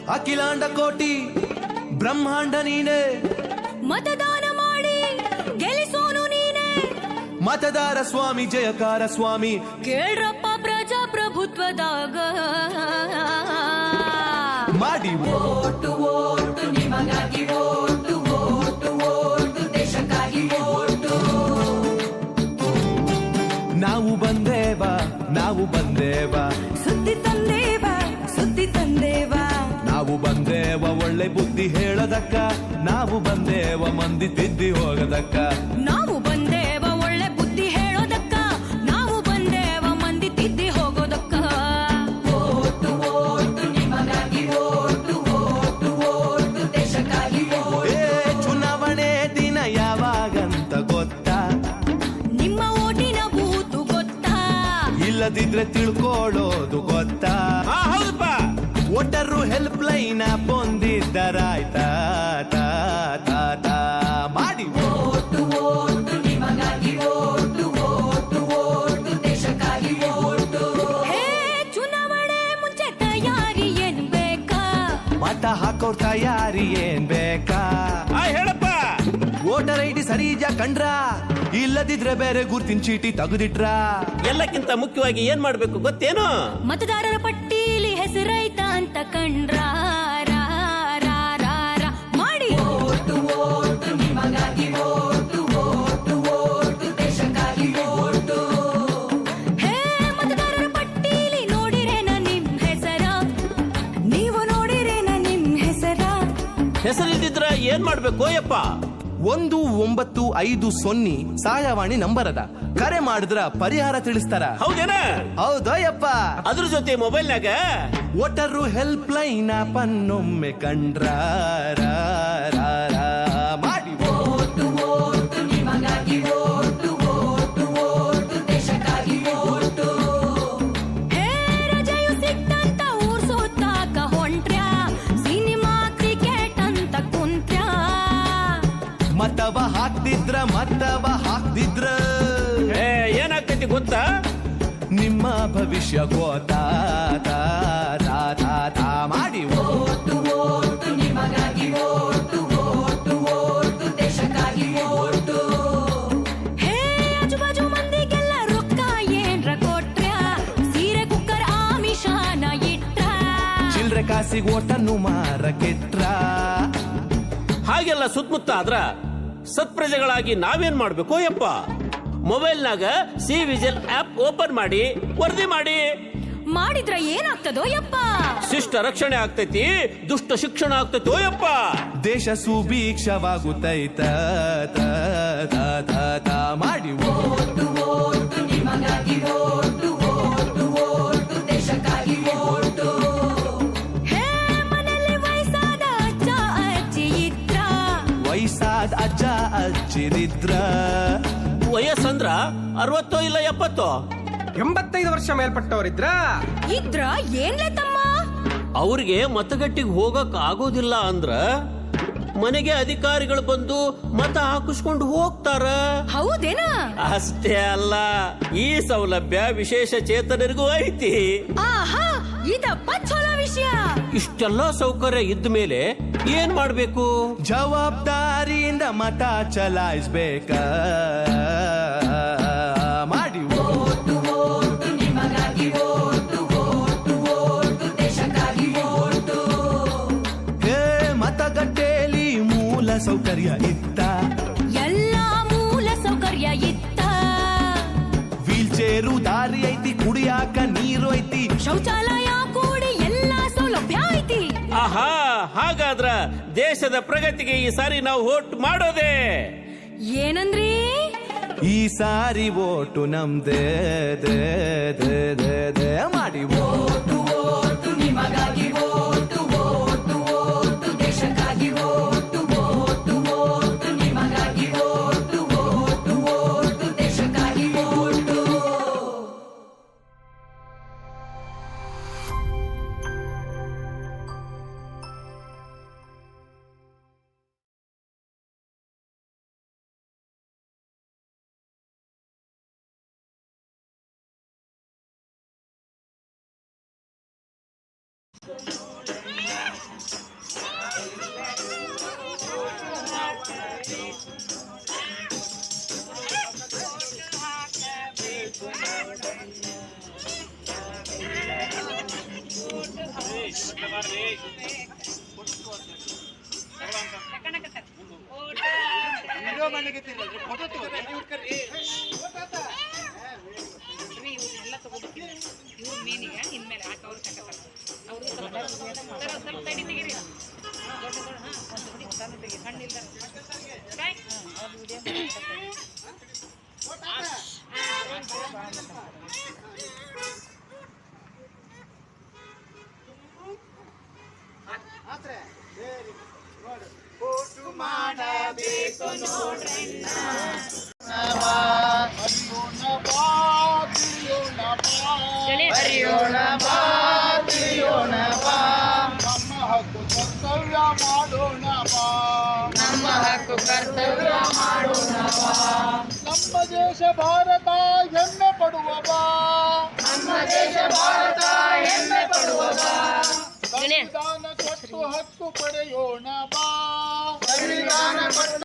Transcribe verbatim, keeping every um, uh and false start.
ಅಖಿಲಾಂಡ ಕೋಟಿ ಬ್ರಹ್ಮಾಂಡ ನೀನೆ, ಮತದಾನ ಮಾಡಿ ಗೆಲ್ಲಿಸೋನು ನೀನೆ. ಮತದಾರ ಸ್ವಾಮಿ ಜಯಕಾರ ಸ್ವಾಮಿ, ಕೇಳ್ರಪ್ಪ ಪ್ರಜಾಪ್ರಭುತ್ವದಾಗ ಮಾಡಿ ಓಟು ಓಟು ನಿಮಗಾಗಿ ಓಟು ಓಟು ಓಟು ದೇಶಕ್ಕಾಗಿ ಓಟು. ನಾವು ಬಂದೇವ ನಾವು ಬಂದೇವ ಸುದ್ದಿ ತಂದೇವ ಸುದ್ದಿ ತಂದೇವ. ನಾವು ಬಂದೇವ ಒಳ್ಳೆ ಬುದ್ಧಿ ಹೇಳದಕ್ಕ, ನಾವು ಬಂದೇವ ಮಂದಿ ತಿದ್ದಿ ಹೋಗದಕ್ಕ. ನಾವು ಬಂದೇವ ಒಳ್ಳೆ ಬುದ್ಧಿ ಹೇಳೋದಕ್ಕ, ನಾವು ಬಂದೇವ ಮಂದಿ ತಿದ್ದಿ ಹೋಗೋದಕ್ಕ. ಓಟು ಓಟು ನಿಮಗಾಗಿ ಓಟು ಓಟು ಓಟು ದೇಶಕ್ಕಾಗಿ ಓಟು. ಏ ಚುನಾವಣೆ ದಿನ ಯಾವಾಗಂತ ಗೊತ್ತಾ? ನಿಮ್ಮ ಓಟಿನ ಬೂತು ಗೊತ್ತಾ? ಇಲ್ಲದಿದ್ರೆ ತಿಳ್ಕೊಳ್ಳೋದು ಗೊತ್ತಾ? ಹೌದಪ್ಪ. ಒಟ್ಟರು ಹೆಲ್ಪ್ ಲೈನ್ ಬಂದಿದ್ದರಾಯ್ತಾ ತಾ ತಾ ತಾ ಮಾಡಿ ಓಟು ಓಟು ನಿಮಗಾಗಿ ಓಟು ಓಟು ಓಟು ದೇಶಕ್ಕಾಗಿ ಓಟು. ಹೇ ಚುನಾವಣೆ ಮುಂಚೆ ತಯಾರಿ ಏನ್ ಬೇಕಾ? ಮತ ಹಾಕೋರ್ ತಯಾರಿ ಏನ್ ಬೇಕಾ? ಆ, ಹೇಳಪ್ಪ. ವೋಟರ್ ಐ ಡಿ ಸರಿ ಇದ್ಯಾ ಕಂಡ್ರ? ಇಲ್ಲದಿದ್ರೆ ಬೇರೆ ಗುರ್ತಿನ ಚೀಟಿ ತೆಗೆದಿಟ್ರ? ಎಲ್ಲಕ್ಕಿಂತ ಮುಖ್ಯವಾಗಿ ಏನ್ ಮಾಡ್ಬೇಕು ಗೊತ್ತೇನು? ಮತದಾರರ ಪಟ್ಟೀಲಿ ಹೆಸರೈತ ಅಂತ ಕಂಡ್ರ ರಾ, ರಾ, ರಾ, ರಾ. ಮಾಡಿ ಓಟು ಓಟು ನಿಮಗಾಗಿ ಓಟು ಓಟು ಓಟು ದೇಶಕ್ಕಾಗಿ ಓಟು. ಹೇ ಮತದಾರರ ಪಟ್ಟೀಲಿ ನೋಡಿರೇನ ನಿಮ್ ಹೆಸರ? ನೀವು ನೋಡಿರೇನ ನಿಮ್ ಹೆಸರ? ಹೆಸರಿಲ್ದಿದ್ರ ಏನ್ ಮಾಡ್ಬೇಕು ಯಪ್ಪ? ಒಂದು ಒಂಬತ್ತು ಐದು ಸೊನ್ನೆ ಸಹಾಯವಾಣಿ ನಂಬರ್ ಅದ, ಕರೆ ಮಾಡಿದ್ರ ಪರಿಹಾರ ತಿಳಿಸ್ತಾರ. ಹೌದೇನ? ಹೌದಯ್ಯಪ್ಪ. ಅದ್ರ ಜೊತೆ ಮೊಬೈಲ್ನಾಗ ಒಟ್ಟರು ಹೆಲ್ಪ್ ಲೈನ್ ಪನ್ನೊಮ್ಮೆ ಕಂಡ್ರ ರಾ, ರಾ, ರಾ. ಮಾಡಿ ಓಟು ಓಟು ನಿಮಗಾಗಿ ಓಟು ಓಟು ಓಟು ದೇಶಕ್ಕಾಗಿ ಓಟು. ಹೇ ರಜೆಯು ಸಿಕ್ತಂತ ಊರ್ ಸುತ್ತಾಕ ಹೊಂಟ್ರ್ಯಾ, ಸಿನಿಮಾ ಕ್ರಿಕೆಟ್ ಅಂತ ಕುಂತ್ರ್ಯಾ. ಮತವ ಹಾಕ್ತಿದ್ರ ಮತವ ಹಾಕ್ತಿದ್ರ ಏ, ಏನಾಗ್ತೈತಿ ಗೊತ್ತಾ? ನಿಮ್ಮ ಭವಿಷ್ಯ ಗೋತಾ ತಾ ತಾ ತಾ ತಾ ಮಾಡಿ ಓಟು ಓಟು ನಿಮಗಾಗಿ ಓಟು ಓಟು ಓಟು ದೇಶಕ್ಕಾಗಿ ಓಟು. ಹೇ ಆಜುಬಾಜು ಮಂದಿಗೆಲ್ಲ ರೊಕ್ಕ ಏನ್ರ ಕೊಟ್ರ್ಯಾ, ಸೀರೆ ಕುಕ್ಕರ್ ಆಮಿಷಾನ ಇಟ್ರ. ಚಿಲ್ರೆ ಕಾಸಿಗೆ ಓಟನ್ನು ಮಾರ ಕೆಟ್ರ. ಹಾಗೆಲ್ಲ ಸುತ್ತಮುತ್ತ ಆದ್ರ ಸತ್ಪ್ರಜೆಗಳಾಗಿ ನಾವೇನ್ ಮಾಡ್ಬೇಕು ಯಪ್ಪ? ಮೊಬೈಲ್ನಾಗ ಸಿ ವಿಜಿಲ್ ಆಪ್ ಓಪನ್ ಮಾಡಿ ವರದಿ ಮಾಡಿ. ಮಾಡಿದ್ರ ಏನಾಗ್ತದೋ ಯಪ್ಪ? ಶಿಷ್ಟ ರಕ್ಷಣೆ ಆಗ್ತೈತಿ, ದುಷ್ಟ ಶಿಕ್ಷಣ ಆಗ್ತೈತಿ ಯಪ್ಪ. ದೇಶ ಸುಭೀಕ್ಷವಾಗುತ್ತೈತ ತಾ ತಾ ತಾ ತಾ ಮಾಡಿ ಓಟು ಓಟು ನಿಮಗಾಗಿ ಓಟು ಓಟು ಓಟು ದೇಶಕ್ಕಾಗಿ ಓಟು. ಹೇ ಮನೆಯಲ್ಲಿ ವಯಸ್ಸಾದ ಅಜ್ಜ ಅಜ್ಜಿ ಇದ್ರ, ವಯಸ್ಸಾದ ಅಜ್ಜ ಅಜ್ಜಿರಿದ್ರ ವಯಸ್ಸಂದ್ರ ಅರವತ್ತೋ ಇಲ್ಲ ಎಪ್ಪತ್ತೋ? ಎಂಬತ್ತೈದು ವರ್ಷ ಮೇಲ್ಪಟ್ಟವರಿದ್ರ ಇದ್ರ ಏನ್ಲೆ ತಮ್ಮ? ಅವ್ರಿಗೆ ಮತಗಟ್ಟಿಗೆ ಹೋಗಕ್ ಆಗೋದಿಲ್ಲ ಅಂದ್ರ ಮನೆಗೆ ಅಧಿಕಾರಿಗಳು ಬಂದು ಮತ ಹಾಕಿಸ್ಕೊಂಡು ಹೋಗ್ತಾರ. ಹೌದೇನ? ಅಷ್ಟೇ ಅಲ್ಲ, ಈ ಸೌಲಭ್ಯ ವಿಶೇಷ ಚೇತನರಿಗೂ ಐತಿ. ಆಹಾ, ಇದಪ್ಪ ಚಲೋ ವಿಷಯ. ಇಷ್ಟೆಲ್ಲ ಸೌಕರ್ಯ ಇದ್ದ ಮೇಲೆ ಏನ್ ಮಾಡ್ಬೇಕು? ಜವಾಬ್ದಾರಿಯಿಂದ ಮತ ಚಲಾಯಿಸ್ಬೇಕ ಮಾಡಿ ಓಟು ಓಟು ನಿಮಗಾಗಿ ಓಟು ಓಟು ಓಟು ದೇಶಕ್ಕಾಗಿ ಓಟು. ಹೇ ಮತಗಟ್ಟೆಯಲ್ಲಿ ಮೂಲ ಸೌಕರ್ಯ ಇತ್ತ, ಎಲ್ಲಾ ಮೂಲ ಸೌಕರ್ಯ ಇತ್ತ. ವೀಲ್ ಚೇರು ದಾರಿ ಐತಿ, ಕುಡಿಯಾಕ ನೀರು ಐತಿ, ಶೌಚಾಲಯ ಕೂಡಿ ಎಲ್ಲಾ ಸೌಲಭ್ಯ ಐತಿ. ಆಹಾ, ಹಾಗಾದ್ರ ದೇಶದ ಪ್ರಗತಿಗೆ ಈ ಸಾರಿ ನಾವು ವೋಟ್ ಮಾಡೋದೇ. ಏನಂದ್ರಿ? ಈ ಸಾರಿ ಓಟು ನಮ್ದೇ ದೇ ದೇ ದೇ ದೇ ಮಾಡಿ ಓಟು ಓಟು ನಿಮಗಾಗಿ ಓಟು ಓಟು ಓಟು ದೇಶಕ್ಕಾಗಿ ಓಟು ಓಟು ಓಟು ನಿಮಗಾಗಿ ಓಟು ಓಟು ಓಟು ದೇಶಕ್ಕಾಗಿ ಓಟು. ಇವ್ರನ್ನೆಲ್ಲ ತಗೋಬೇಕಿಲ್ಲ ಇವ್ರ ಮೇನಿಗ ಇನ್ಮೇಲೆ ಹಾಕಿ ಅವ್ರು ತಗೋತಾರೆ ಅವರು ಸ್ವಲ್ಪ ಸ್ವಲ್ಪ ತಡಿ ತೆಗೀರಿ ದೊಡ್ಡ ದೊಡ್ಡ ಹಾಂ ಒಂದು ಹುಡಿ ಸಣ್ಣ ತೆಗಿ ಸಣ್ಣ ಇಲ್ದಾರ ಅವ್ರು ವಿಡಿಯೋ ಮಾಡಬೇಕು ನೋಡ್ರಣ್ಣ ಹರಿಯೋಣ ಬಾ ತಿಳಿಯೋಣ ಬಾ ನಮ್ಮ ಹಕ್ಕು ಕರ್ತವ್ಯ ಮಾಡೋಣ ಬಾ ನಮ್ಮ ಹಕ್ಕು ಕರ್ತವ್ಯ ಮಾಡೋಣ ಬಾ ನಮ್ಮ ದೇಶ ಭಾರತ ಹೆಮ್ಮೆ ಪಡುವ ಬಾ ನಮ್ಮ ದೇಶ ಭಾರತ ಹೆಮ್ಮೆ ಪಡುವ ಬಾ ಸಂವಿಧಾನ ಕೊಟ್ಟು ಹಕ್ಕು ಪಡೆಯೋಣ ಬಾ ಸಂವಿಧಾನ ಕೊಟ್ಟು